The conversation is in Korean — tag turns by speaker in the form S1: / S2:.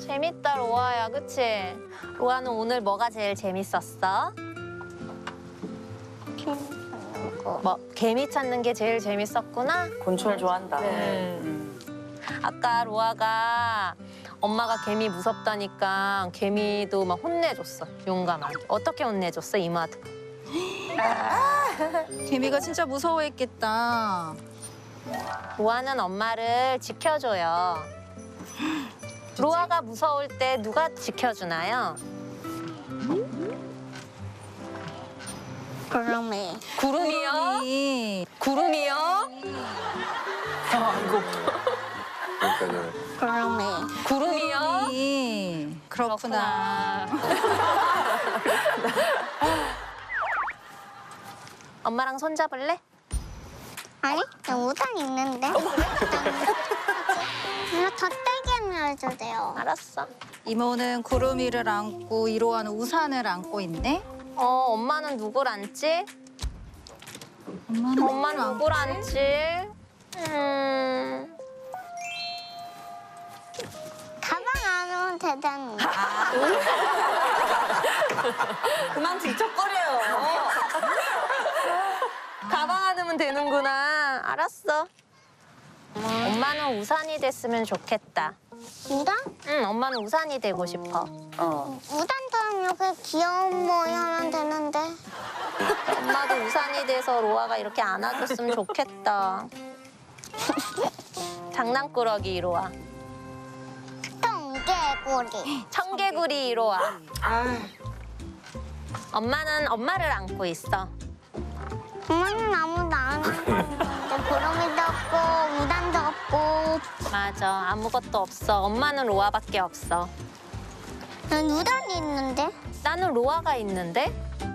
S1: 재밌다, 로아야, 그치? 로아는 오늘 뭐가 제일 재밌었어? 뭐, 개미 찾는 게 제일 재밌었구나?
S2: 곤충을 좋아한다.
S1: 아까 로아가 엄마가 개미 무섭다니까 개미도 막 혼내줬어, 용감하게. 어떻게 혼내줬어, 이모한테?
S3: 개미가 진짜 무서워했겠다.
S1: 로아는 엄마를 지켜줘요. 로아가 무서울 때 누가 지켜주나요?
S4: 구름이.
S1: 구름이요?
S3: 구름이.
S1: 구름이요?
S5: 그러니까요.
S4: 구름이.
S1: 구름이요?
S3: 구름이. 그렇구나.
S1: 엄마랑 손잡을래?
S4: 아니, 나 우산 있는데. 나 덧대기를 해줘 돼요.
S1: 알았어.
S3: 이모는 구름이를 안고 이로하는 우산을 안고 있네.
S1: 엄마는 누굴 안지? 엄마는 누굴 안지?
S4: 가방 안 오면 되잖아.
S2: 그만 질척거려요.
S1: 가방 안으면 되는구나. 알았어. 엄마는 우산이 됐으면 좋겠다.
S4: 우산?
S1: 응, 엄마는 우산이 되고 싶어.
S4: 우산처럼 이렇게 귀여운 모이 하면 되는데.
S1: 엄마도 우산이 돼서 로아가 이렇게 안아줬으면 좋겠다. 장난꾸러기 이로와.
S4: 똥개구리.
S1: 청개구리 이로와. 엄마는 엄마를 안고 있어.
S4: 엄마는 아무도 안 하는데 구름이도 없고 우산도 없고.
S1: 맞아, 아무것도 없어. 엄마는 로아밖에 없어.
S4: 난 우산이 있는데.
S1: 나는 로아가 있는데?